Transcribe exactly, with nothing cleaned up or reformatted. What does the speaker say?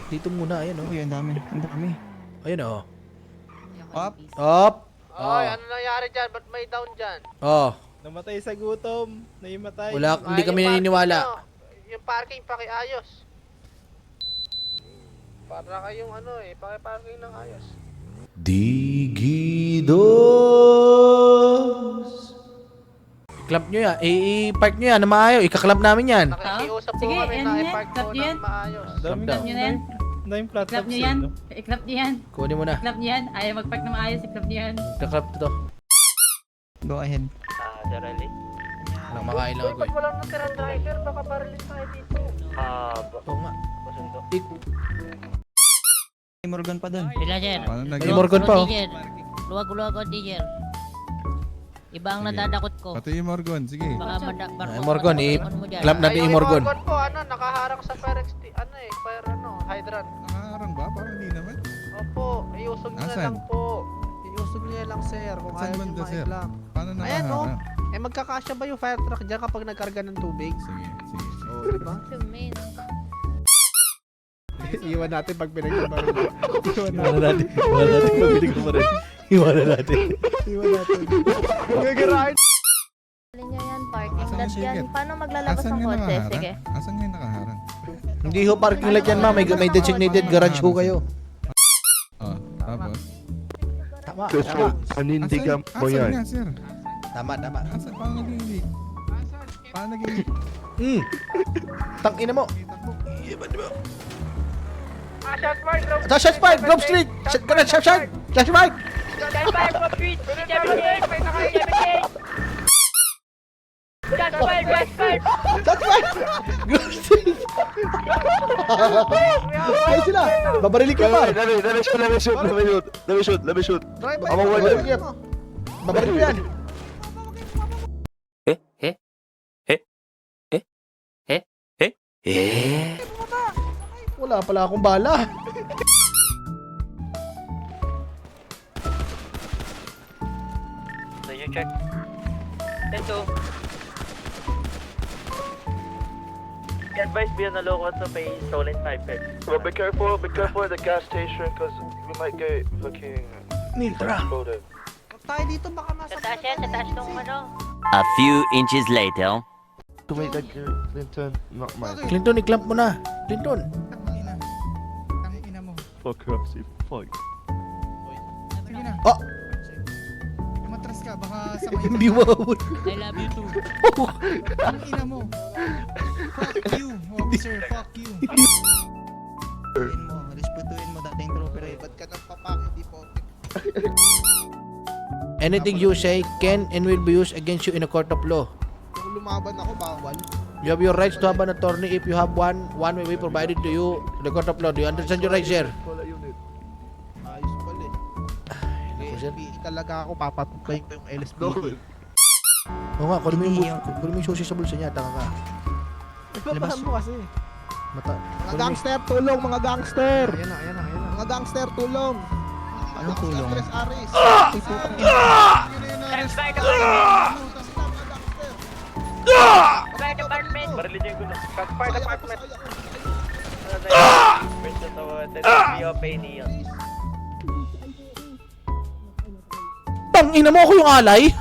Dito muna, ayan oh. Uy, ang dami. Ang dami. Ayun oh. Up. Up! Oy, Oh. ano nangyari dyan? Ba't may down dyan? Oh. Namatay sa gutom. Naimatay. Wala, hindi Ay, kami yung parking naniniwala. nyo, Yung parking, pakiayos. Para kayong ano eh, paki-parking ng ayos. Digidos! I-clap nyo yan. I-park nyo yan na maayo. Ika-clap namin yan. Nakikiusap po Sige, kami yan na yan. i-park Clap po nyo yan. ng maayos. Dami Clap nyo na yan. Daming I-clap platforms nyo eh, yan. no? I-clap nyo yan. Kunin mo na. I-clap nyo yan. Ayaw mag-park na maayos. I-clap nyo yan. Ika-clap to to. Go ahead. Ah, Sir Ali? Walang makain lang Uy, ako ba't eh. walang natirang driver? Baka barilis tayo dito. Ah, Oo nga. basundo. Ik- May Morgan pa dun. Villager. Paano nag- May Morgan pa oh. Luwag-luwag ako, teacher. Iba ang nadadakot ko. Pati yung Morgan, sige. Baka mada- barko- Ay, Morgan, barko- eh. barko mo dyan. Clap natin Ay, yung Morgan. Morgan po, ano, nakaharang sa fire exti, ano eh, fire ano, hydrant. Nakaharang ba? Parang hindi naman. Opo, iusog niyo na Nasaan? lang po. Iusog niyo lang, sir, kung Saan ayaw niyo banda, sir? lang. Paano Ayan, oh. nakaharang? Eh, magkakasya ba yung fire truck dyan kapag nagkarga ng tubig? Sige, sige. sige. Oo, diba? Iwan natin pag pinagkabarin. Iwan Iwanan natin. Iwanan natin. Mabinig ko pa rin. Iwanan natin. Iwan natin. Gagarahin. Alin nyo yan, parking Asan lot yung yan. ticket? Paano maglalabas Asan ng nga kotse? nakaharang? Sige. Asan nga yung nakaharang? Hindi ho parking lot yan ma. May, may designated garage ho kayo. Oh, tapos? Tama. Tama. Panindigan mo yan. Asan nga, sir? Tama, tama. Asan? Paano nag-iilig? Paano nag-iilig? Hmm. Tangina mo. Ah, shot mark, Grove Ito, shot fight! Grove Street! Shot ka na, shot shot! Shot fight! Shot fire, Grove Street! May naka-seventy-eight! Shot fire, shot fire! Shot fight! Grove Street! Ay sila! Babarili ka pa! Let me, let me shoot, let me shoot, let me shoot, let me shoot, let me shoot. Drive I'm a Babarili winner. ka. Babarili ko yan! Eh? Eh? Eh? Eh? Eh? Eh? Eh? Wala pala akong bala. So you check. Ito. Advice be on the local to pay stolen pipes. Well, be careful, be careful at the gas station, cause we might get fucking Niltra. exploded. Huwag tayo dito, baka Sa taas yan, sa taas tong ano. A few inches later. To make that Clinton, not mine. Clinton, i-clamp mo na. Clinton. Tangina. Tangina mo. Fuck off, see, fuck. Sige na. Oh! Matras ka. Baka sa kayo. Hindi mawawala. I love you too. Tangina mo. Fuck you, officer. Fuck you. Respetuin mo. Respetuin mo dating trooper eh. Ba't ka nagpapak, hindi po? Anything you say can and will be used against you in a court of law. Kung lumaban ako, bawal. You have your rights to have an attorney if you have one. One will be provided to you in the court of law. Do you understand your rights, sir? Call that unit. Ayos pala eh. Naku, sir. L S P E talaga ako, papatuklayin ko yung L S P No. E. Oo nga, kunin mo yung, Hindi, bu- kunin mo yung susi sa bulsa niya. Taka ka. Labas mo kasi. Mata. Mga kunin mo- gangster, tulong mga gangster! Ayan na, ayan na, ayan na. Mga gangster, tulong! Anong tulong? Andres Aris! Fire department! Barilin yung gulo. Fire department! First to the O P niyo. Tangina mo ako yung alay!